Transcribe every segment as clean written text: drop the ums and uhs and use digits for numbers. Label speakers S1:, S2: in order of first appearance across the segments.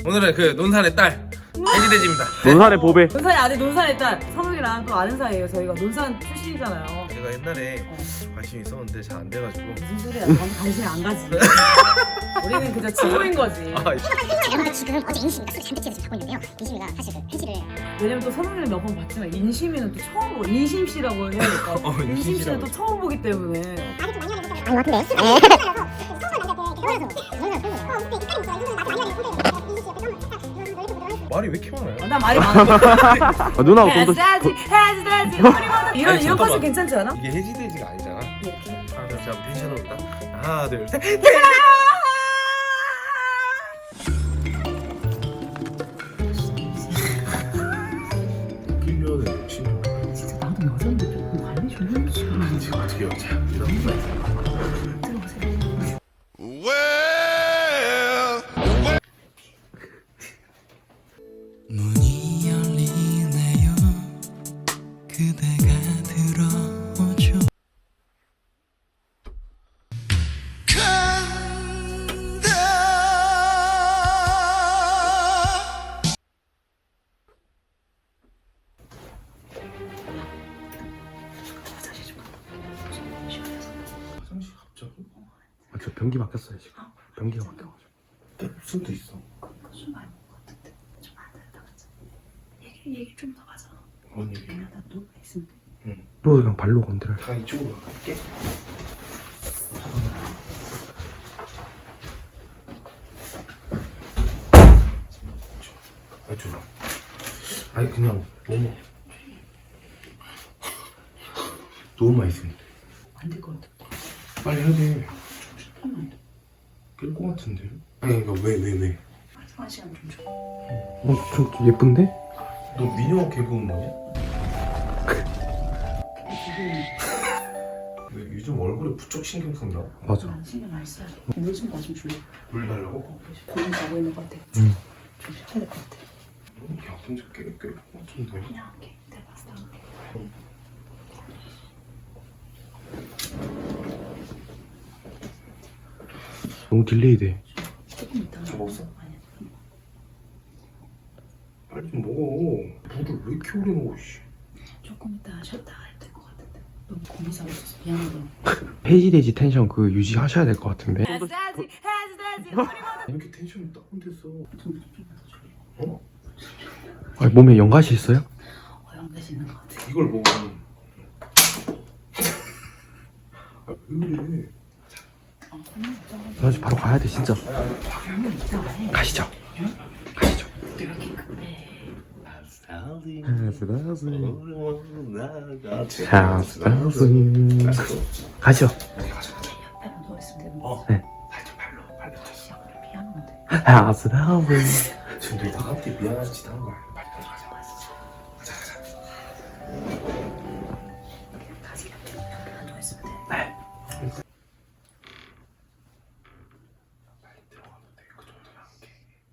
S1: 오늘은 그 논산의 딸 해지돼지입니다.
S2: 논산의 보배.
S3: 논산이 아들 논산의 딸 선욱이랑 또 아는 사이예요. 저희가 논산 출신이잖아요.
S1: 제가 옛날에 관심이 있었는데 잘 안 돼가지고.
S3: 무슨 소리야? 관심이 안 가지. 우리는 그저 친구인 거지.
S4: 여러분들 지금 어제 인심이가 술이 잔뜩 집에서 자고 있는데요. 인심이가 사실 그 해지를
S3: 왜냐면 또 선욱이를 몇 번 봤지만 인심이는 또 처음 보고 인심 씨라고 해야 될까? 인심 씨는 또 처음 보기 때문에.
S4: 말이 좀 많이 하는 것 같은데. 서운한 남자한테
S1: 말이 왜 이렇게 많아요?
S3: 나 말이 많아.
S2: 누나가 좀 더.
S3: 해지돼지 이런
S1: 아니,
S3: 이런
S1: 잠깐만.
S3: 컨셉 괜찮지 않아?
S1: 이게 해지돼지가 아니잖아.
S3: 이렇게.
S1: 하나 둘 셋 텐션으로 딱 하나 둘 셋. 빌려는 진짜
S3: 진짜 나도 여자인데 조금 관리 좀 해주지.
S1: 어떻게 여자 이런 거
S3: 들어보세요.
S5: 문이 열리네요. 그대가 들어오죠.
S1: 화장실 갑자기?
S2: 저 변기 바뀌었어요 지금. 변기가 바뀌어가지고.
S1: 술도 있어.
S3: 술 많이 먹은 것 같은데 좀 안 되다 가자. 얘기 좀 더 하자.
S1: 뭔 얘기?
S3: 내가 나 누가 있으면 돼.
S2: 또 그냥 발로 건드려.
S1: 다 이쪽으로 갈게. 아 좋아. 아니 그냥 너무 맛있습니다.
S3: 안 될 것 같아.
S1: 빨리 해야 돼.
S3: 잠깐만.
S1: 깰것 같은데. 아니 이거 왜?
S3: 한 시간 좀 줘.
S2: 좀 예쁜데?
S1: 너 미녀 개그우먼 뭐냐? 왜 요즘 얼굴에 부쩍 신경 쓴다.
S2: 맞아.
S3: 난 신경 많이 써야 돼. 물좀 나 좀 줄래?
S1: 물 달라고?
S3: 고민 가고 있는 것 같아.
S2: 응.
S3: 좀 쉬어야 될 것 같아.
S1: 너무 야근자 깰것 같은데.
S3: 그냥 할게. 내가 봤을 때 할게.
S2: 너무 딜레이 돼.
S3: 조금 이따가.
S1: 저 먹었어?
S3: 아니야.
S1: 빨리 좀 먹어. 물을 왜 이렇게 오래 먹어 씨.
S3: 조금 이따 쉬었다가 해야 될 것 같은데. 너무 고민하고 있어서 미안하다.
S2: 해지돼지 텐션 그 유지하셔야 될 것 같은데.
S3: 해지돼지
S1: 이렇게 텐션이 다운됐어. 어?
S2: 아니, 몸에 연가시 있어요?
S3: 어영대시 있는 것 같아.
S1: 이걸 먹으면 왜 그래?
S2: 나 지금 바로 가야 돼 진짜.
S3: 한번 이따가 해.
S2: 가시죠. 가시죠.
S3: 이렇게 급해.
S2: 가시죠.
S3: 옆에 누워있으면 되는 거.
S2: 네.
S1: 살짝 발로
S3: 시야 우리 미안한데.
S2: 하스라스.
S1: 지금 너 나한테 미안한 짓 한 거야. 빨리 가자.
S3: 가지. 옆에 누워있으면 돼.
S2: 네.
S1: 빨리 들어가도 돼. 그 정도는 할게.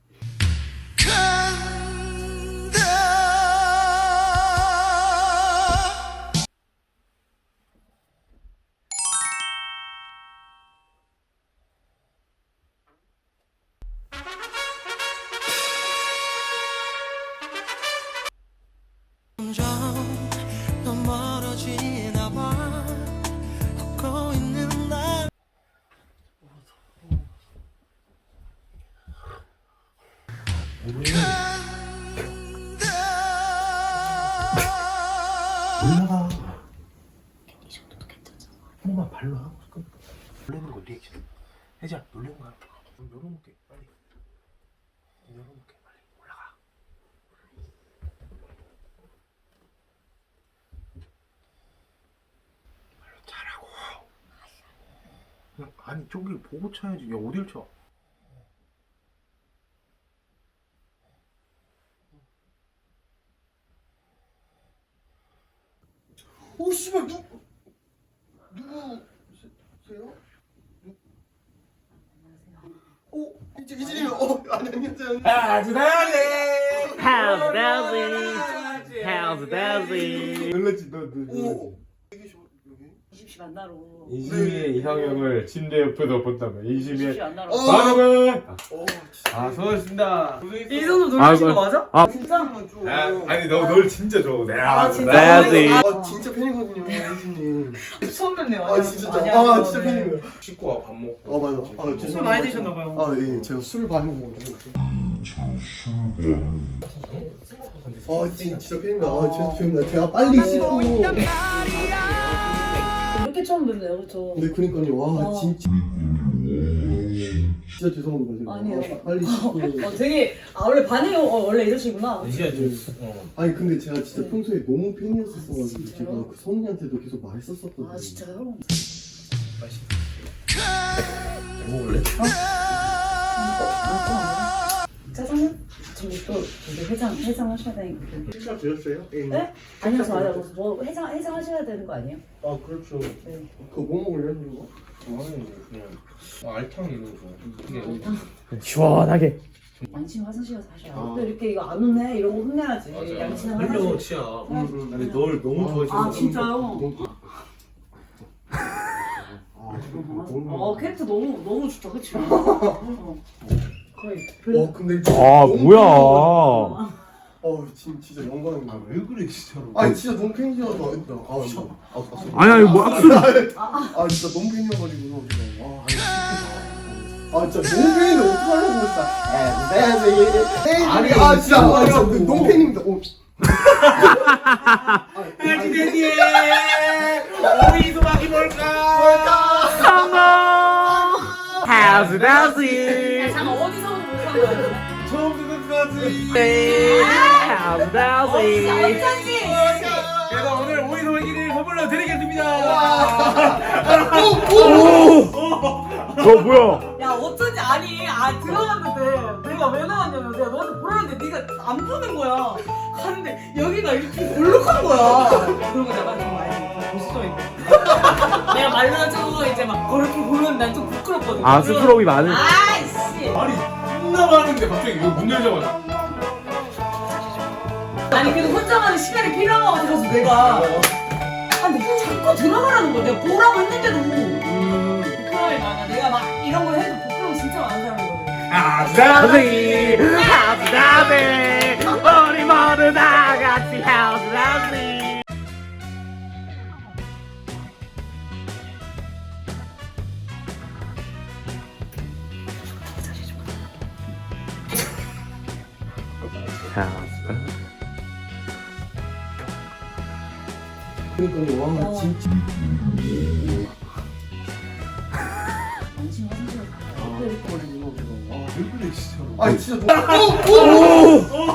S5: 점점 더 멀어지나 봐. 걷고 있는 날.
S1: 올라가.
S3: 이 정도도 괜찮잖아.
S1: 한 번만 발로 하고 있고. 놀래는 거 리액션. 혜지야 놀래는 거야. 열어놓게 빨리. 열어놓게 빨리 올라가. 발로 차라고. 그냥 아니 저기 보고 쳐야지. 야 어딜 쳐? 오 씨발 누구세요? 오 이제 안녕하세요.
S2: How's Daisy?
S1: 놀랐지 너. 오. 여기 여기.
S3: 안 나러.
S2: 인심이의 이상형을 침대 옆에서 본다면 인심이의
S3: 쉽지 안 나러.
S2: 반응은 수고하셨습니다.
S3: 이 정도 놀리신 거 맞아?
S2: 아.
S3: 진짜?
S2: 아니 널 진짜 좋아.
S3: 아 진짜?
S2: 내야지.
S1: 진짜 팬이거든요, 혜진님.
S3: 처음 뵙네요.
S1: 진짜
S3: 아니야,
S1: 진짜 팬이에요.
S2: 식구와 밥 먹고.
S1: 맞아.
S3: 술 많이 드셨나봐요.
S1: 예, 제가 술 많이 먹어가지고. 진짜 팬입니다. 죄송합니다. 제가 빨리 씻고.
S3: 이렇게 처음 뵙네요, 그렇죠?
S1: 네, 그러니까요. 진짜 죄송합니다. 제가.
S3: 아니에요.
S1: 빨리 씻고.
S3: 되게 원래 반응이 원래 이러시구나.
S1: 아니 근데 제가 진짜 평소에 너무 팬이었었어가지고 제가 그 성훈이한테도 계속 말했었거든요.
S3: 아 진짜요?
S1: 먹을래?
S3: 짜장면? 저기 또 이제 해장 하셔야 되니까.
S1: 식사 드렸어요?
S3: 네? 아니요, 저 아니요. 뭐 해장 하셔야 되는 거 아니에요?
S1: 아 그렇죠.
S3: 네.
S1: 그거 뭐 먹을래요, 이거?
S2: 아니 그냥 알탕 이런 거.
S6: 시원하게.
S3: 양치는 화장실 가서 하셔야
S1: 아.
S3: 또 이렇게 이거 안 혼내 이런 거 혼내야지. 양치는 화장실.
S2: 치야.
S1: 아니
S2: 널 너무
S3: 아 진짜요?
S1: 너무
S3: 캐릭터 너무 좋다, 그치? 거의
S1: 근데
S6: 아 뭐야?
S1: 진짜 영광입니다.
S2: 왜 그래 진짜로?
S1: 아니 진짜 너무 팬이어서 했다.
S6: 아니 뭐 악수.
S1: 진짜 너무 팬이어가지고 진짜 너무 팬인데 어떡하려고 진짜. 아니 진짜 너무 팬입니다.
S2: 해지대지에 우리 소박이 뭘까?
S6: 하우스 다우스.
S3: 잠깐 어디서부터 못한 거야?
S2: 처음부터 끝까지.
S6: 하우스 다우스.
S3: 어쩐지.
S2: 그래서 오늘 오이 소박이를 선물로 드리겠습니다.
S6: 뭐야?
S3: 야 어쩐지 아니 들어갔는데 내가 왜 나왔냐면 내가 너한테 보라는데 네가 안 보는 거야. 가는데 여기가 이렇게 볼록한 거야. 그러고 내가 좀 많이 멋있어 있고. 내가 말라가지고 이제 막 그렇게 보면 난 좀 부끄럽거든.
S6: 아 스프롬이 많은.
S3: 아이씨.
S2: 아니 끝나 많은데 갑자기 이거 문 열자마자.
S3: 아니 그래도 혼자만의 시간이 필요한 거 같아서 내가. 근데 자꾸 들어가라는 거야. 내가 보라고 했는데도. 부끄러움이 많아. 내가 막 이런 거 해도 부끄러움 진짜 많은 사람이거든.
S6: 하우스 다우스. 하우스 다우스. 우리 모두 다 같이 하우스 다우스.
S1: 그러니까요. 진짜.
S3: 양심 화장실 가서
S1: 왜 그래 진짜로.
S2: 아니 진짜.
S1: 진짜.